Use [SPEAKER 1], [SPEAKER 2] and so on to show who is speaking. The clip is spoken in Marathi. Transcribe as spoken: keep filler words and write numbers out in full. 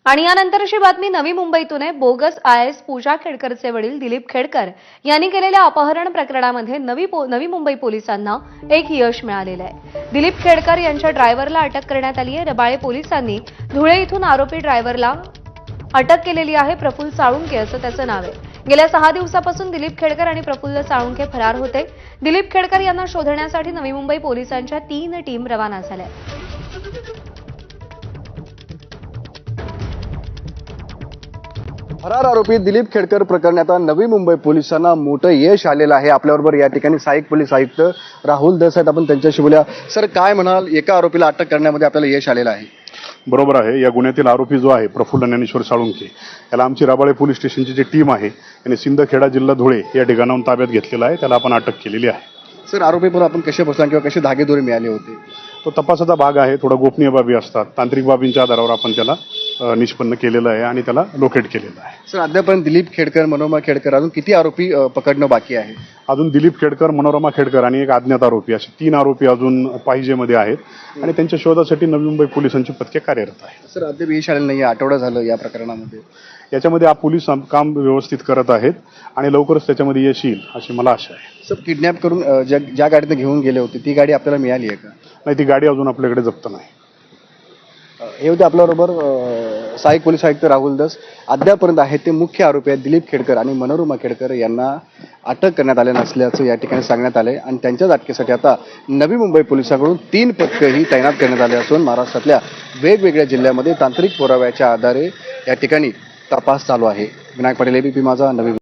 [SPEAKER 1] आणि यानंतरची बातमी नवी मुंबईतून आहे। बोगस आय एस पूजा खेडकरचे वडील दिलीप खेडकर यांनी केलेल्या अपहरण प्रकरणामध्ये नवी नवी मुंबई पोलिसांना एक यश मिळालेलं आहे। दिलीप खेडकर यांच्या ड्रायव्हरला अटक करण्यात आली आहे। रबाळे पोलिसांनी धुळे इथून आरोपी ड्रायव्हरला अटक केलेली आहे। प्रफुल्ल साळुंके असं त्याचं नाव आहे। गेल्या सहा दिवसापासून दिलीप खेडकर आणि प्रफुल्ल साळुंके फरार होते। दिलीप खेडकर यांना शोधण्यासाठी नवी मुंबई पोलिसांच्या तीन टीम रवाना झाल्या।
[SPEAKER 2] फरार आरोपी दिलीप खेडकर प्रकरणी आता नवी मुंबई पोलिसांना मोठं यश आलेलं आहे। आपल्याबरोबर या ठिकाणी सहाय्यक पोलीस आयुक्त राहुल दस आहेत, आपण त्यांच्याशी बोलूया। सर, काय म्हणाल, एका आरोपीला अटक करण्यामध्ये आपल्याला यश आलेलं आहे?
[SPEAKER 3] बरोबर आहे। या गुन्ह्यातील आरोपी जो आहे प्रफुल्ल ज्ञानेश्वर साळुंके याला आमची रबाळे पोलीस स्टेशनची जी टीम आहे आणि सिंदखेडा जिल्हा धुळे या ठिकाणाहून ताब्यात घेतलेला आहे। त्याला आपण अटक केलेली आहे।
[SPEAKER 2] सर, आरोपीवर आपण कसे बसला किंवा कसे धागेदोरे मिळाले होते?
[SPEAKER 3] तो तपासाचा भाग आहे। थोडा गोपनीय बाबी असतात, तांत्रिक बाबींच्या आधारावर आपण त्याला निष्पन्न केलेलं आहे आणि त्याला लोकेट केलेलं आहे।
[SPEAKER 2] सर, अद्यापर्यंत दिलीप खेडकर, मनोरमा खेडकर अजून किती आरोपी पकडणं बाकी आहे?
[SPEAKER 3] अजून दिलीप खेडकर, मनोरमा खेडकर आणि एक अज्ञात आरोपी असे तीन आरोपी अजून पाहिजेमध्ये आहेत आणि त्यांच्या शोधासाठी नवी मुंबई पोलिसांची पथके कार्यरत आहेत।
[SPEAKER 2] सर, अद्याप यश आलेलं नाही, आठवडा झालं या प्रकरणामध्ये।
[SPEAKER 3] याच्यामध्ये पोलीस काम व्यवस्थित करत आहेत आणि लवकरच त्याच्यामध्ये यश येईल अशी मला आशा आहे।
[SPEAKER 2] सर, किडनॅप करून ज्या ज्या गाडीने घेऊन गेले होते ती गाडी आपल्याला मिळाली आहे का?
[SPEAKER 3] नाही, ती गाडी अजून आपल्याकडे जप्त नाही।
[SPEAKER 2] हे होते आपल्याबरोबर सहाय्यक पोलीस आयुक्त राहुल दस। अद्यापर्यंत आहेत ते मुख्य आरोपी आहेत दिलीप खेडकर आणि मनोरमा खेडकर यांना अटक करण्यात आले नसल्याचं या ठिकाणी सांगण्यात आले आणि त्यांच्याच अटकेसाठी आता नवी मुंबई पोलिसांकडून तीन पथकंही तैनात करण्यात आले असून महाराष्ट्रातल्या वेगवेगळ्या जिल्ह्यामध्ये तांत्रिक पुराव्याच्या आधारे या ठिकाणी तपास चालू आहे। विनायक पाटील, एबीपी माझा, नवी